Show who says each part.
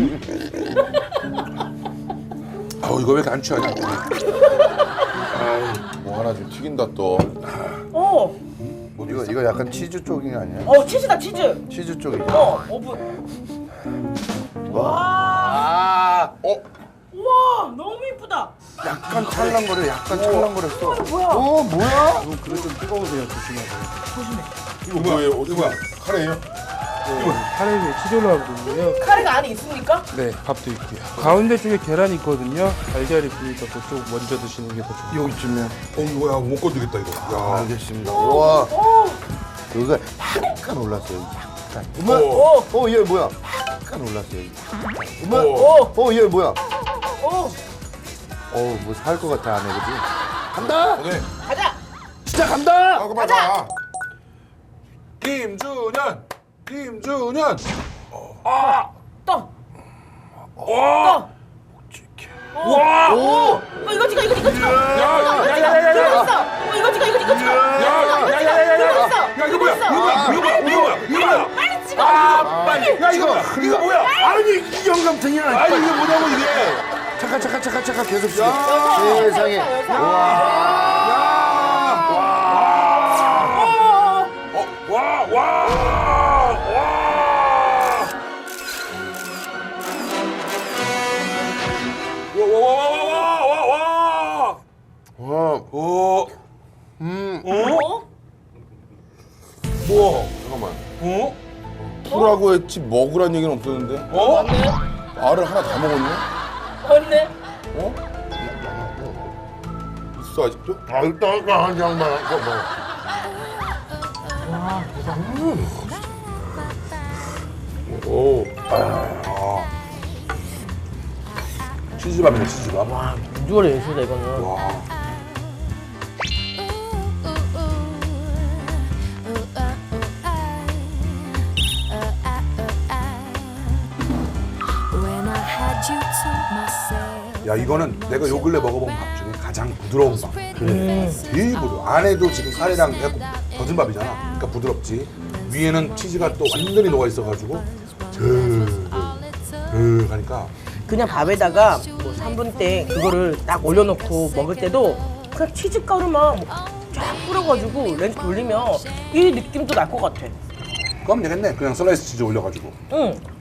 Speaker 1: 아우 이거 왜 이렇게 안 취하냐? 뭐 하나 좀 튀긴다 또.
Speaker 2: 어,
Speaker 3: 이거 약간 치즈 쪽이 아니야?
Speaker 2: 치즈다 치즈.
Speaker 3: 치즈 쪽이죠.
Speaker 2: 오븐.
Speaker 3: 아,
Speaker 2: 우와, 너무 이쁘다.
Speaker 3: 약간 찰랑거려, 약간 찰랑거렸어.
Speaker 2: 뭐야?
Speaker 3: 뭐야?
Speaker 4: 이거 그릇 좀 뜨거우세요. 조심하세요.
Speaker 1: 이거 뭐예요? 어디 뭐야? 카레예요?
Speaker 4: 카레 위에 치즈 올라가거든요.
Speaker 2: 카레가 안에 있습니까?
Speaker 4: 네, 밥도 있고요. 가운데 쪽에 계란이 있거든요. 달걀이 있으니까 그쪽 먼저 드시는 게 더 좋아요.
Speaker 3: 여기쯤이야.
Speaker 1: 이거야 못 건드겠다 이거. 야.
Speaker 3: 알겠습니다. 와,
Speaker 2: 오,
Speaker 3: 여기가 약간 올랐어요. 약간. 얘 뭐야? 약간 올랐어요. 얘 뭐야?
Speaker 2: 오,
Speaker 3: 뭐 살 것 같아 안에 그지? 간다.
Speaker 1: 오케이.
Speaker 2: 가자.
Speaker 3: 진짜 간다.
Speaker 1: 그만 가. 김준현.
Speaker 2: 떠. 와. 와. 오. 이거 찍어. 들고 있어. 이거 찍어. 들고 있어.
Speaker 1: 야 이거 뭐야?
Speaker 2: 빨리 찍어.
Speaker 1: 빨리. 야 이거 뭐야?
Speaker 3: 아니 이 영감탱이야.
Speaker 1: 아니 이게 뭐냐고 이게.
Speaker 3: 잠깐 계속 찍어. 세상에. 와.
Speaker 1: 어?
Speaker 3: 뭐? 잠깐만.
Speaker 1: 어?
Speaker 3: 풀라고 했지 먹으란 얘기는 없었는데.
Speaker 1: 어?
Speaker 2: 맞네.
Speaker 1: 알을 하나 다 먹었네?
Speaker 2: 맞네.
Speaker 1: 어? 있어 아직도?
Speaker 3: 일단 한 장만 뭐.
Speaker 1: 오. 치즈밥이네 치즈밥.
Speaker 2: 비주얼이 예술이다 이거는.
Speaker 1: 와.
Speaker 5: When I had you to myself.
Speaker 1: 야 이거는 내가 요 근래 먹어본 밥 중에 가장 부드러운 밥. 되게 부드러워. 안에도 지금 카레랑 해갖고 젖은 밥이잖아. 그러니까 부드럽지. 위에는 치즈가 또 완전히 녹아 있어가지고 하니까
Speaker 2: 그냥 밥에다가 뭐 3분 때 그거를 딱 올려놓고 먹을 때도 그냥 치즈 가루만 쫙 뿌려가지고 렌즈 돌리면 이 느낌도 날 것 같아.
Speaker 1: 그럼 되겠네. 그냥 슬라이스 치즈 올려가지고.
Speaker 2: 응.